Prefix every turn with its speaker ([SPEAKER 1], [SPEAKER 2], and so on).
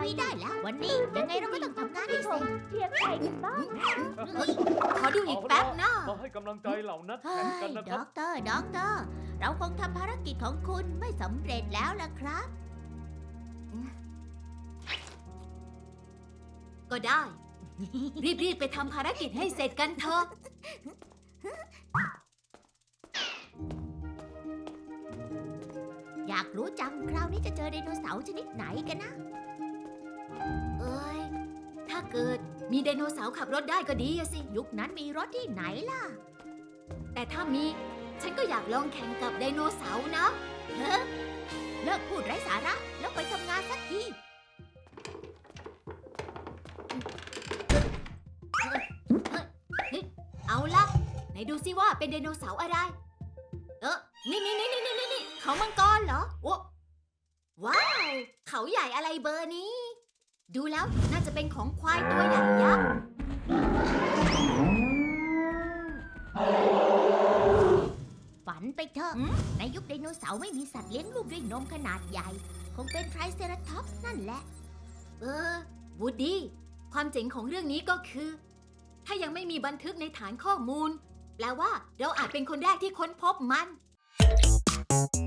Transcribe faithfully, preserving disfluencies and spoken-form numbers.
[SPEAKER 1] อยได้แล้ว วันนี้ยังไงเราก็ต้องทำงานให้เสร็จ
[SPEAKER 2] เชียร์ใครกันบ้าง
[SPEAKER 1] เฮ้ย
[SPEAKER 3] ขอดูอีกแป๊บนะ
[SPEAKER 4] มาให้กำลังใจเหล่านัก
[SPEAKER 1] เฮ้
[SPEAKER 4] แข่ง
[SPEAKER 1] ย
[SPEAKER 4] กันนะค
[SPEAKER 1] ด็
[SPEAKER 4] รั
[SPEAKER 1] อบ กเตอร์ด็อกเตอร์ เราคงทำภารกิจของคุณไม่สำเร็จแล้วล่ะครับ
[SPEAKER 3] ก็ได้ รีบๆไปทำภารกิจให้เสร็จกันเถอะ
[SPEAKER 1] อยากรู้จังคราวนี้จะเจอไดโนเสาร์ชนิดไหนกันนะ
[SPEAKER 3] เอ้ย ถ้าเกิดมีไดโนเสาร์ขับรถได้ก็ดีอะสิ
[SPEAKER 1] ยุคนั้นมีรถที่ไหนล่ะ
[SPEAKER 3] แต่ถ้ามี ฉันก็อยากลองแข่งกับไดโนเสาร์นะ
[SPEAKER 1] เฮ้เลิกพูดไร้สาระแล้วไปทำงานสักที
[SPEAKER 3] เอาล่ะ ไหนดูซิว่าเป็นไดโนเสาร์อะไร เออนี่นี่นี่นี่นี่นี่เขามังกรเหรอโอ้ว้าว เขาใหญ่อะไรเบอร์นี้ ดูแล้วน่าจะเป็นของควายตัวใหญ่ยักษ์
[SPEAKER 1] ฝันไปเถอะ ในยุคไดโนเสาร์ไม่มีสัตว์เลี้ยงลูกด้วยนมขนาดใหญ่ คงเป็นไทรเซราทอปส์นั่นแหละ
[SPEAKER 3] เออวูดดี้ ความเจ๋งของเรื่องนี้ก็คือ ถ้ายังไม่มีบันทึกในฐานข้อมูล แปลว่าเราอาจเป็นคนแรกที่ค้นพบมัน